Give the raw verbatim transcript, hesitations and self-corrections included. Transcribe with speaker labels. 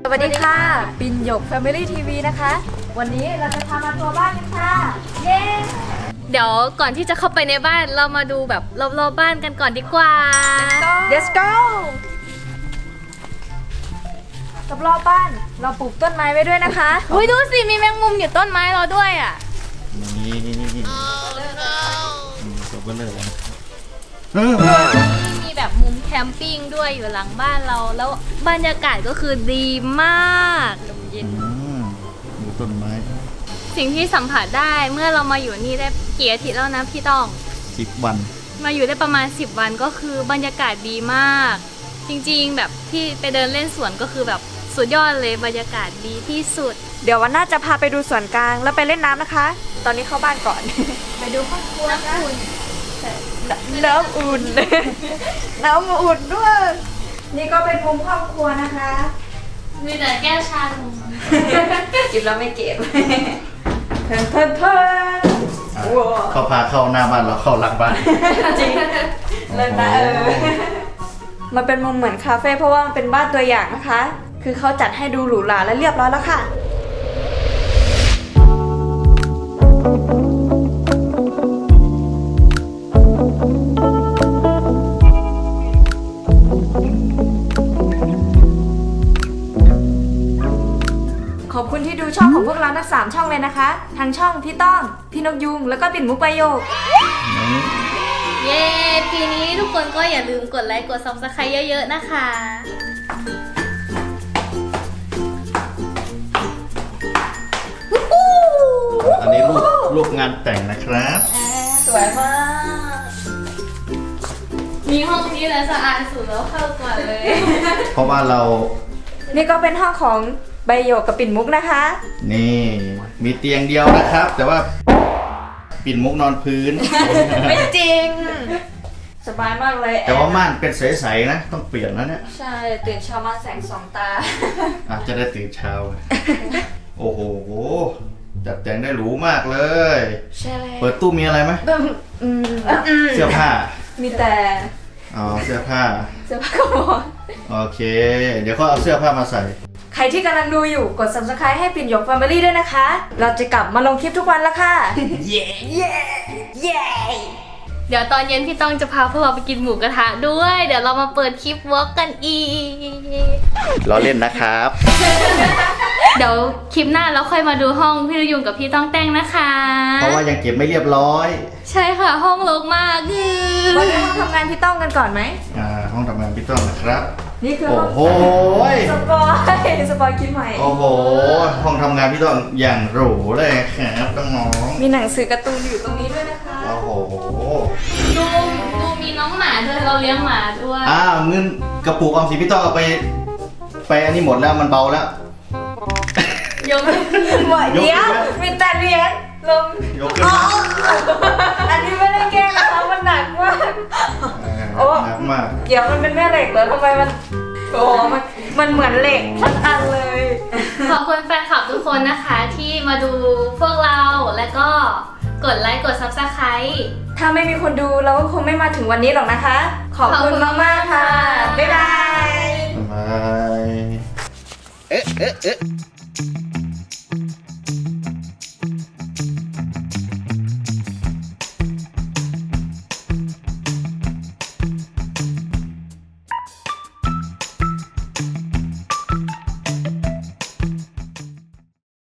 Speaker 1: สวัสดีค่ะปิ่นหยก Family ที วี นะคะ วันนี้เราจะพามาทัวร์บ้านกันค่ะเย้
Speaker 2: เดี๋ยวก่อนที่จะเข้าไปในบ้านเรามาดูแบบรอบๆบ้านกันก่อนดีกว่า
Speaker 1: Let's go กับรอบบ้านเราปลูกต้นไม้ไว้ด้วยนะคะ
Speaker 2: อุ้ยดูสิมีแมงมุมอยู่ต้นไม้เราด้วยอ่ะ
Speaker 3: นี่จบกันเลย
Speaker 2: มีแบบมุมแคมปิ้งด้วยอยู่หลังบ้านเราแล้วบรรยากาศก็คือดีมากลมเย็น
Speaker 3: ดูต้นไม้
Speaker 2: สิ่งที่สัมผัสได้เมื่อเรามาอยู่นี่ได้กี่อาทิตย์แล้วนะพี่ต้อง
Speaker 3: สิบวัน
Speaker 2: มาอยู่ได้ประมาณสิบวันก็คือบรรยากาศดีมาก จริงๆแบบที่ไปเดินเล่นสวนก็คือแบบสุดยอดเลยบรรยากาศดีที่สุด
Speaker 1: เดี๋ยววันหน้าจะพาไปดูสวนกลางแล้วไปเล่นน้ำนะคะ ตอนนี้เข้าบ้านก่อน ไปดูห้องครัวนะน้ำอุ่น น้ำอุ่นด้วย นี่ก็เป็นมุมห้องครัวนะคะ
Speaker 2: มีแต่แก้วชาลง
Speaker 1: จิบแล้วไม่เก็บเพิ่นเพิ่นเพิ่นว้าว
Speaker 3: เขาพาเข้าหน้าบ้านเราเข้าหลังบ้าน
Speaker 1: จริงเลิศนะเออมันเป็นมุมเหมือนคาเฟ่เพราะว่ามันเป็นบ้านตัวอย่างนะคะ คือเขาจัดให้ดูหรูหราและเรียบร้อยแล้วค่ะขอบคุณที่ดูช่องของพวกเราทั้งสามช่องเลยนะคะทางช่องพี่ต้องพี่นกยุงแล้วก็ปิ่นมุกประโยค
Speaker 2: เย้ปีนี้ทุกคนก็อย่าลืมกดไลค์กด ซับสไครบ์ เยอะๆนะคะ
Speaker 3: อันนี้รูปรูปงานแต่งนะครับ
Speaker 1: สวยมาก
Speaker 2: มีห้องนี้แหละสะอาดสุดแล้วเข้าก่อนเลย
Speaker 3: เพราะว่าเรา
Speaker 1: นี่ก็เป็นห้องของใบโยกกับปิ่นมุกนะคะ
Speaker 3: นี่มีเตียงเดียวนะครับ แต่ว่าปิ่นมุกนอนพื้น
Speaker 1: ไม่จริง สบายมากเลย
Speaker 3: แต่ว่าม่านเป็นใสๆนะ ต้องเปลี่ยนแล้วเนี่ย
Speaker 1: ใช่ตื่นเช้ามาแสงสองตา
Speaker 3: อาจจะได้ตื่นเช้า โอ้โหจัดแต่งได้หรูมากเลย
Speaker 1: ใช่เลย
Speaker 3: เปิดตู้มีอะไรไหม
Speaker 1: อืม
Speaker 3: เสื้อผ้า
Speaker 1: มีแต่
Speaker 3: อ๋อเสื้อผ้า
Speaker 1: เสื้อผ้ากระบอก
Speaker 3: โอเค เดี๋ยวเขาเอาเสื้อผ้ามาใส่
Speaker 1: ใครที่กำลังดูอยู่กด ซับสไครบ์ ให้ปิ่นหยก Family ด้วยนะคะ เราจะกลับมาลงคลิปทุกวันแล้วค่ะ เย้เย้เย้
Speaker 2: เดี๋ยวตอนเย็นพี่ต้องจะพาพวกเราไปกินหมูกระทะด้วย เดี๋ยวเรามาเปิดคลิปวอล์กกันอีก
Speaker 3: ล้อเล่นนะครับ
Speaker 2: เดี๋ยวคลิปหน้าเราค่อยมาดูห้องพี่ยุงกับพี่ต้องแต่งนะคะ
Speaker 3: เพราะว่ายังเก็บไม่เรียบร้อย
Speaker 2: ใช่ค่ะห้องรกมาก
Speaker 1: วันนี้มาทำงานพี่ต้องกันก่อนไหม
Speaker 3: อ่าห้องทำงานพี่ต้องนะครับ
Speaker 1: นี่คือ
Speaker 3: โอ้
Speaker 1: ห้อง
Speaker 3: โห
Speaker 1: สปอยสปอยคลิปใหม่
Speaker 3: โอ้โห ห้องทำงานพี่ต้องอย่างหรูเลยครับน้อง
Speaker 1: มีหนังสือการ์ตูนอยู่ตรงนี้ด้วยนะคะ
Speaker 3: ๆโอ้โห
Speaker 2: ดูดูมีน้องหมาด้วยเราเลี้ยงหมาด้วย
Speaker 3: อ้าวเงินกระปุกออมสินพี่ต้องเอาไป ไปอันนี้หมดแล้วมันเบาแล้ว
Speaker 2: ยก
Speaker 1: หมดเดียวมีแต่เหรียญลง
Speaker 3: ยกขึ้นมา
Speaker 1: อันนี้ไม่ได้แกล้งนะคะมันหนักมาก โอ้
Speaker 3: หนักมาก
Speaker 1: เดี๋ยวมันเป็นแม่เหล็กเหรอทำไมมันโอ้มันมันเหมือนเหล็กทั้งอันเลย
Speaker 2: ขอบคุณแฟนคลับทุกคนนะคะที่มาดูพวกเราแล้วก็กดไลค์กด ซับสไครบ์
Speaker 1: ถ้าไม่มีคนดูเราก็คงไม่มาถึงวันนี้หรอกนะคะ ขอบคุณมากๆค่ะ บ๊ายบาย
Speaker 3: บายเอ๊ะเอ๊ะเอ๊ะ